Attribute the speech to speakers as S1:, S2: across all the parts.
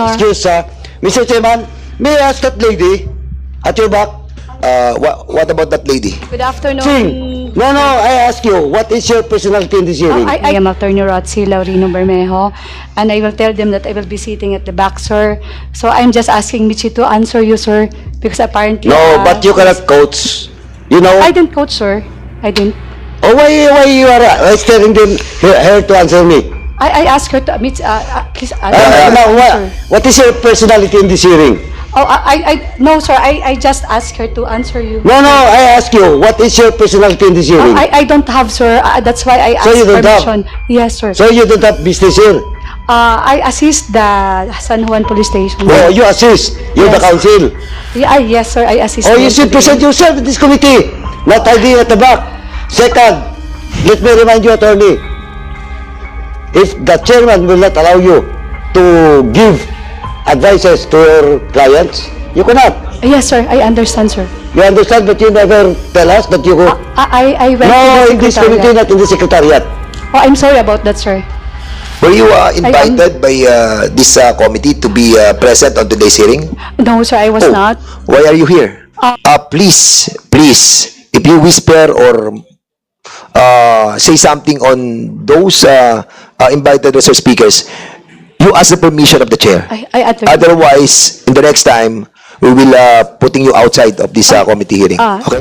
S1: Honor.
S2: excuse, Mr. Chairman, may I ask that lady at your back?
S3: What about that lady?
S1: Good afternoon.
S2: Sing. No, I ask you, what is your personality in this hearing?
S1: I am Attorney Rotzi Laurino Bermejo, and I will tell them that I will be sitting at the back, sir. So I'm just asking Michi to answer you, sir, because apparently...
S2: No, but you cannot coach. You know?
S1: I didn't coach, sir. I didn't.
S2: Oh, why you are telling them her to answer me?
S1: I asked her to... please...
S2: Now, what is your personality in this hearing?
S1: Oh, no, sir. I just asked her to answer you.
S2: No, I ask you, what is your personality in this hearing?
S1: I don't have, sir. That's why I asked
S2: So you don't have?
S1: permission. Yes, sir.
S2: So you don't have business here?
S1: I assist the San Juan Police Station.
S2: Oh, you assist. You're the
S1: Yes.
S2: council.
S1: Yeah, yes, sir. I assist.
S2: Oh, you
S1: them
S2: should
S1: today.
S2: present yourself in this committee, not hiding at the back. Second, let me remind you, attorney, if the chairman will not allow you to give advices to your clients, you cannot.
S1: Yes, sir. I understand, sir.
S2: You understand, but you never tell us that you go.
S1: I went
S2: No,
S1: to
S2: in
S1: the
S2: this committee,
S1: secretariat.
S2: not in the secretariat.
S1: Oh, I'm sorry about that, sir.
S3: Were you invited by this committee to be present on today's hearing?
S1: No, sir. I was not.
S3: Why are you here? Please, if you whisper or say something on those invited resource speakers, you ask the permission of the chair.
S1: I understand.
S3: Otherwise, in the next time, we will putting you outside of this committee hearing. Okay?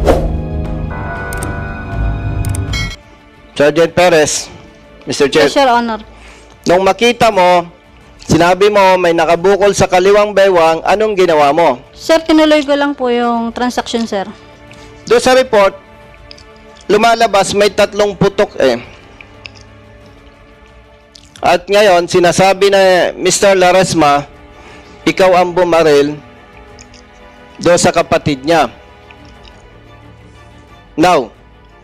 S4: Sergeant Perez, Mr. Chair,
S5: Yes, Your Honor.
S4: nung makita mo, sinabi mo may nakabukol sa kaliwang baywang, anong ginawa mo?
S5: Sir, tinuloy ko lang po yung transaction, sir.
S4: Doon sa report, lumalabas may 3 putok eh. At ngayon, sinasabi na Mr. Laresma, ikaw ang bumaril doon sa kapatid niya. Now,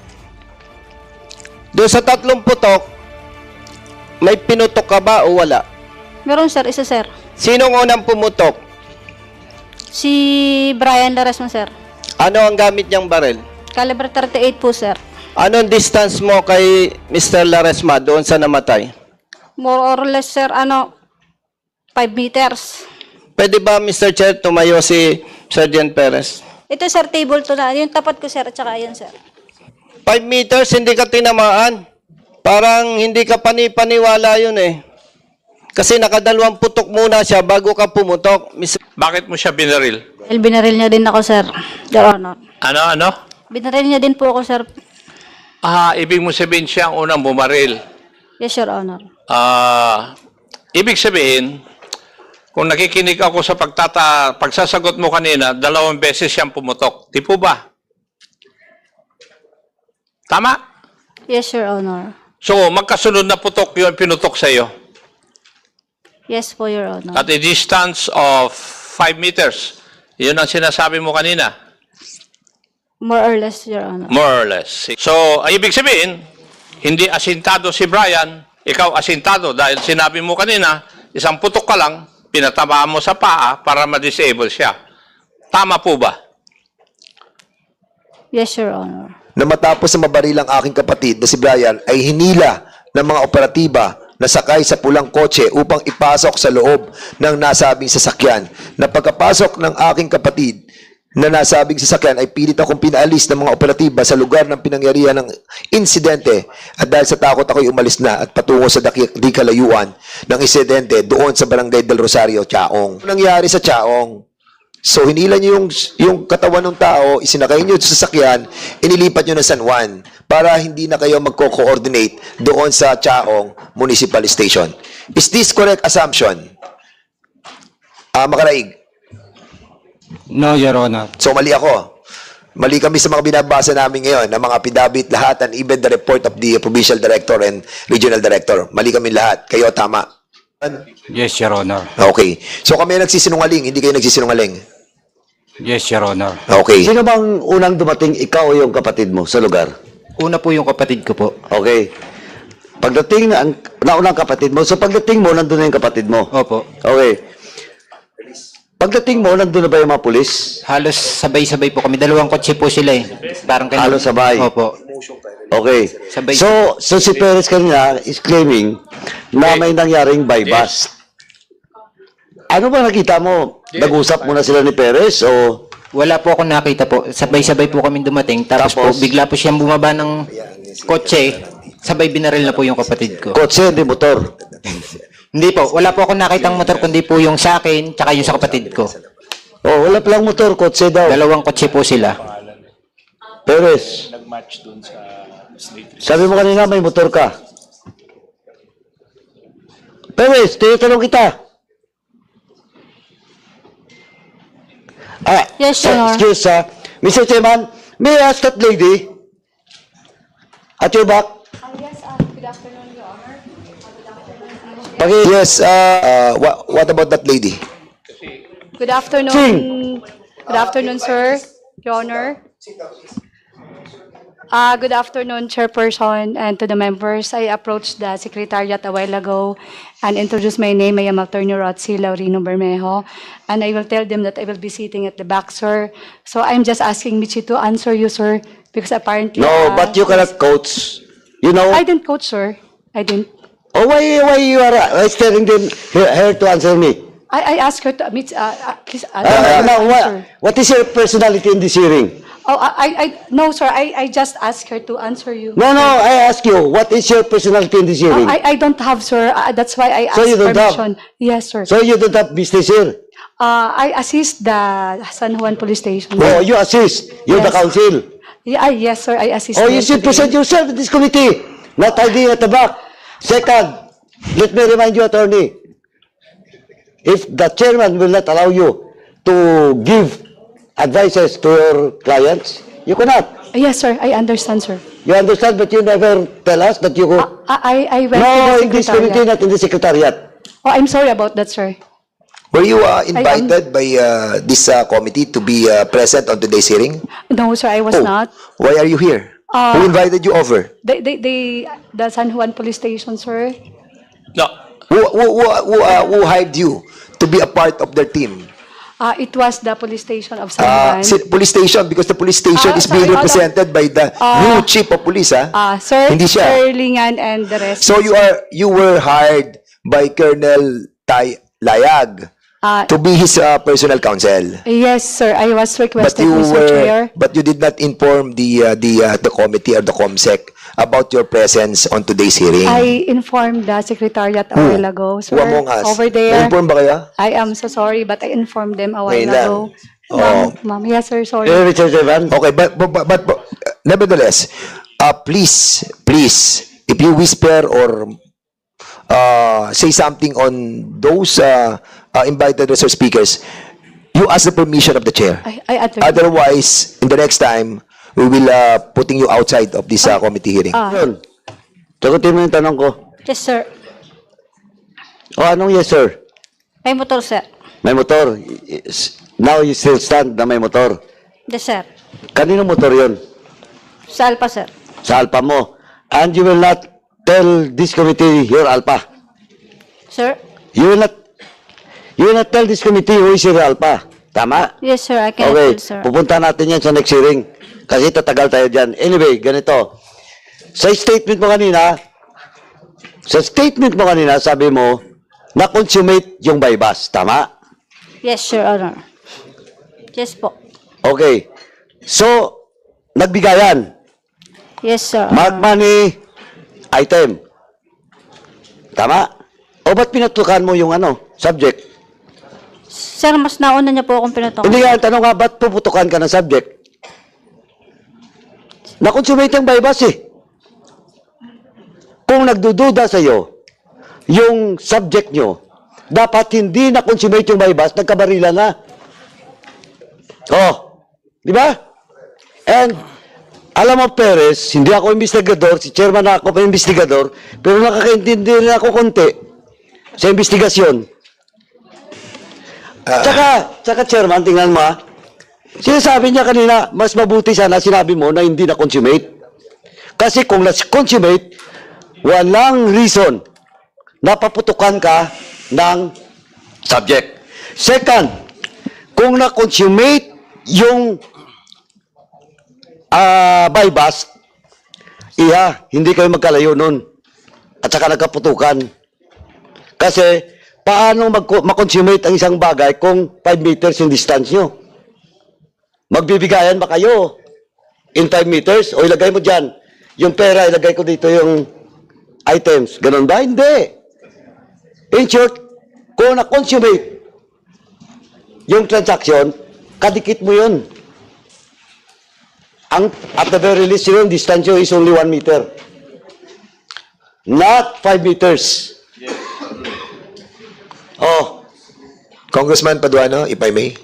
S4: doon sa 3 putok, may pinutok ka ba o wala?
S5: Meron, sir. Isa, sir.
S4: Sinong unang pumutok?
S5: Si Brian Laresma, sir.
S4: Ano ang gamit niyang baril?
S5: Caliber 38 po, sir.
S4: Anong distance mo kay Mr. Laresma doon sa namatay?
S5: More or less, sir, 5 meters.
S4: Pwede ba, Mr. Chair, tumayo si Sergeant Perez?
S5: Ito, sir, table to na. Yung tapat ko, sir, at saka yun, sir.
S4: 5 meters, hindi ka tinamaan. Parang hindi ka panipaniwala yun eh. Kasi nakadalawang putok muna siya bago ka pumutok.
S6: Bakit mo siya binaril?
S5: Dahil binaril niya din ako, sir. Your Honor.
S6: Ano?
S5: Binaril niya din po ako, sir.
S6: Ibig mo sabihin siya ang unang bumaril.
S5: Yes, Your Honor.
S6: Ibig sabihin, kung nakikinig ako sa pagsasagot mo kanina, 2 beses siyang pumutok. Di po ba? Tama?
S5: Yes, Your Honor.
S6: So, magkasunod na putok yung pinutok sa iyo.
S5: Yes po, Your Honor.
S6: At a distance of 5 meters. Yun ang sinasabi mo kanina.
S5: More or less, Your Honor.
S6: More or less. So, ibig sabihin, hindi asintado si Brian, ikaw asintado dahil sinabi mo kanina, isang putok ka lang, pinatamaan mo sa paa para ma-disable siya. Tama po ba?
S5: Yes, Your Honor.
S3: Na matapos na mabaril ang aking kapatid na si Brian ay hinila ng mga operatiba na sakay sa pulang kotse upang ipasok sa loob ng nasabing sasakyan. Na pagkapasok ng aking kapatid na nasabing sasakyan ay pilit akong pinaalis ng mga operatiba sa lugar ng pinangyarihan ng insidente at dahil sa takot ako'y umalis na at patungo sa di kalayuan ng insidente doon sa Barangay del Rosario, Chaong. Ano nangyari sa Chaong? So, hinila nyo yung katawan ng tao, isinakay nyo sa sasakyan, inilipat nyo ng San Juan para hindi na kayo magko-coordinate doon sa Chaong Municipal Station. Is this correct assumption? Makaraig?
S7: No, Your Honor.
S3: So, mali ako. Mali kami sa mga binabasa namin ngayon, ng mga pidabit lahat, and even the report of the Provincial Director and Regional Director. Mali kami lahat. Kayo, tama.
S7: Yes, Your Honor.
S3: Okay. So, kami nagsisinungaling, hindi kayo nagsisinungaling.
S7: Yes, Your Honor.
S3: Okay.
S2: Sino bang unang dumating, ikaw o yung kapatid mo sa lugar?
S7: Una po yung kapatid ko po.
S2: Okay. Pagdating na naunang kapatid mo, so pagdating mo, nandun na yung kapatid mo.
S7: Opo.
S2: Okay. Pagdating mo, nandun na ba yung mga pulis?
S7: Halos sabay-sabay po kami. 2 kotse po sila eh. Parang kanina.
S2: Halos sabay.
S7: Opo.
S2: Okay.
S7: Sabay.
S2: So si Perez kanina is claiming na may nangyaring bypass. Ano ba nakita mo? Nag-usap muna sila ni Perez o
S7: Wala po akong nakita po. Sabay-sabay po kami dumating. Tapos po, bigla po siyang bumaba ng kotse. Sabay binaril na po yung kapatid ko.
S2: kotse, hindi motor?
S7: Hindi po. Wala po akong nakitang motor kundi po yung sa akin tsaka yung sa kapatid ko.
S2: Oh, wala palang motor, kotse daw.
S7: Dalawang kotse po sila.
S2: Perez. Sabi mo kanina may motor ka. Perez, tinatanong kita.
S5: Yes, Your Honor.
S2: Excuse, Mr. Chairman, may I ask that lady at your back?
S1: Yes, good afternoon, Your Honor.
S3: Yes, what about that lady?
S1: Good afternoon.
S2: Sing.
S1: Good afternoon, sir. Your Honor. Good afternoon, Chairperson, and to the members. I approached the Secretariat a while ago and introduced my name. I am Attorney Rotzi Laurino Bermejo, and I will tell them that I will be sitting at the back, sir. So I'm just asking Michi to answer you, sir, because apparently...
S2: No, but you cannot coach. You know?
S1: I didn't coach, sir. I didn't.
S2: Oh, why you are telling them her to answer me?
S1: I asked her to... please,
S2: Now,
S1: answer.
S2: what is your personality in this hearing?
S1: Oh, no, sir. I just asked her to answer you.
S2: No, I ask you, what is your personality in this hearing?
S1: I don't have, sir. That's why I asked
S2: So you don't have?
S1: permission. Yes, sir.
S2: So you don't have business here?
S1: I assist the San Juan Police Station.
S2: Oh, you assist. You're the
S1: Yes.
S2: council.
S1: Yeah, yes, sir. I assist.
S2: Oh,
S1: them
S2: you should
S1: today.
S2: present yourself in this committee, not hiding at the back. Second, let me remind you, attorney, if the chairman will not allow you to give advices to your clients, you cannot.
S1: Yes, sir. I understand, sir.
S2: You understand, but you never tell us that you go.
S1: I went
S2: No,
S1: to
S2: in
S1: the
S2: this committee,
S1: secretariat.
S2: not in the secretariat.
S1: Oh, I'm sorry about that, sir.
S3: Were you invited by this committee to be present on today's hearing?
S1: No, sir. I was
S3: Oh,
S1: not.
S3: why are you here? Who invited you over?
S1: The San Juan Police Station, sir.
S6: No.
S3: Who hired you to be a part of their team?
S1: It was the police station of San Juan.
S3: Police station, because the police station is being
S1: sorry, hold on.
S3: represented by the new chief of police,
S1: Sir,
S3: Hindi siya.
S1: Sir Lingan and the rest.
S3: So you were hired by Colonel Tay Layag to be his personal counsel.
S1: Yes, sir. I was
S3: But
S1: requested,
S3: you
S1: Mr. Chair.
S3: you did not inform the committee or the COMSEC about your presence on today's hearing.
S1: I informed the secretariat a while ago, sir.
S3: Who among us?
S1: Over there.
S3: Na-inform ba kayo?
S1: I am so sorry, but I informed them a while
S3: Ngayon lang.
S1: ago.
S3: Oh.
S1: Ma'am, yes, sir. Sorry.
S2: Mr. Chairman.
S3: Okay, but nevertheless, please, if you whisper or say something on those invited resource speakers, you ask the permission of the chair.
S1: I understand.
S3: Otherwise, in the next time, we will putting you outside of this committee hearing.
S2: Yun. Sagutin mo yung tanong ko.
S5: Yes, sir.
S2: O, anong yes, sir?
S5: May motor, sir.
S2: May motor. Now you still stand na may motor.
S5: Yes, sir.
S2: Kanino motor yun?
S5: Sa Alpa, sir.
S2: Sa alpa mo. And you will not tell this committee your alpa.
S5: Sir?
S2: You will not tell this committee who is your alpa. Tama?
S5: Yes, sir. I can
S2: Okay.
S5: tell, sir.
S2: Pupunta natin yan sa next hearing. Kasi tatagal tayo dyan. Anyway, ganito. Sa statement mo kanina, sabi mo, na-consummate yung bypass. Tama?
S5: Yes, Your Honor. Yes po.
S2: Okay. So, nagbigayan.
S5: Yes, sir.
S2: Mark money, item. Tama? O ba't pinatukan mo yung subject?
S5: Sir, mas nauna niya po akong pinutok.
S2: Hindi nga, ang tanong nga, ba't puputukan ka ng subject? Na-consummate yung bypass eh. Kung nagdududa sa'yo, yung subject nyo, dapat hindi na-consummate yung bypass, nagkabarila na. Oh, di ba? And, alam mo, Perez, hindi ako investigador, si chairman na ako pa investigador, pero nakakaintindi rin ako konti sa investigasyon. Tsaka chairman, tingnan mo sinasabi niya kanina, mas mabuti sana sinabi mo na hindi na-consummate. Kasi kung na-consummate, walang reason na paputukan ka ng subject. Second, kung na-consummate yung bypass, hindi kayo magkalayo nun. At saka nagkaputukan. Kasi, paano makonsummate ang isang bagay kung 5 meters yung distance nyo? Magbibigayan ba kayo in 5 meters? O ilagay mo dyan, yung pera, ilagay ko dito yung items. Ganon ba? Hindi. In short, kung na-consummate yung transaction, kadikit mo yun. At the very least, yung distance nyo is only 1 meter. Not 5 meters. Oh,
S3: Congressman Paduano, if I may.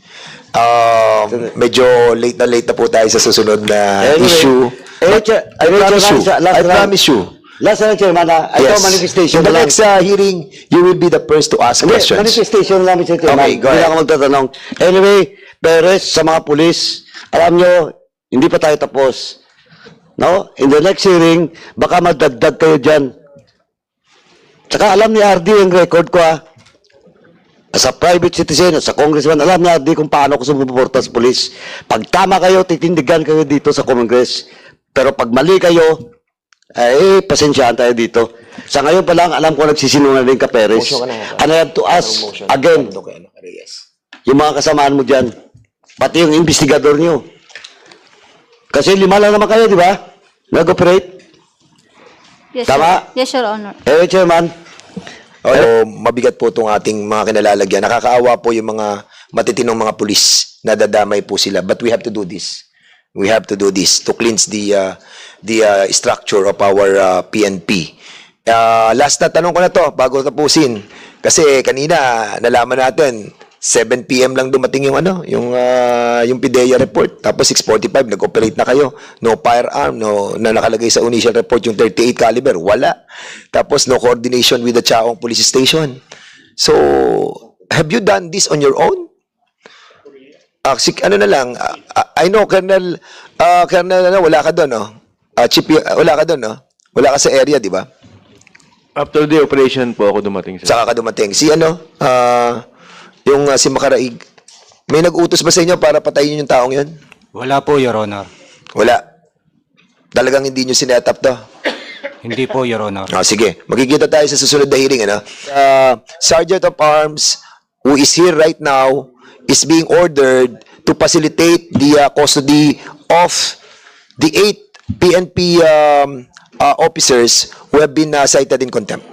S3: Medyo late na po tayo sa susunod na issue. I promise you.
S2: Last na, Chairman, ito manifestation
S3: In the
S2: lang.
S3: next hearing, you will be the first to ask
S2: Hindi,
S3: questions.
S2: manifestation lang, Mr. Chairman.
S3: Okay, go
S2: Hindi
S3: ahead.
S2: ako magtatanong. Anyway, Perez, sa mga pulis, alam nyo, hindi pa tayo tapos. No? In the next hearing, baka madagdag kayo dyan. Tsaka alam ni RD yung record ko, as a private citizen, as a congressman, alam ni RD kung paano ko sumuporta sa pulis. Pag tama kayo, titindigan kayo dito sa Congress. Pero pag mali kayo, pasensyahan tayo dito. Sa ngayon pa lang, alam ko nagsisinungaling ka, Perez. And I have to ask again, yung mga kasamaan mo dyan, pati yung investigador nyo. Kasi 5 lang naman kayo, di ba? Nag-operate.
S5: Yes,
S2: Tama?
S5: Sir. Yes, Your Honor.
S2: Chairman.
S3: Oo, mabigat po itong ating mga kinalalagyan. Nakakaawa po yung mga matitinong mga pulis. Nadadamay po sila. But we have to do this. We have to do this to cleanse the structure of our PNP. Last na tanong ko na to bago tapusin. Kasi kanina nalaman natin 7 PM lang dumating yung yung PIDEA report. Tapos 6:45 nag-operate na kayo. No firearm, na nakalagay sa initial report yung 38 caliber, wala. Tapos no coordination with the Chaong Police Station. So, have you done this on your own? Ano na lang, I know Colonel, wala ka doon, no? Chief, wala ka doon, no? Wala ka sa area, di ba?
S8: After the operation po ako dumating, sir.
S3: Saka ka dumating. Si si Makaraig, may nag-utos ba sa inyo para patayin yung taong yun?
S9: Wala po, Your Honor.
S3: Wala. Talagang hindi nyo sinet up to?
S9: Hindi po, Your Honor.
S3: Sige, magkikita tayo sa susunod na hearing. Sergeant of Arms, who is here right now, is being ordered to facilitate the custody of the 8 PNP officers who have been cited in contempt.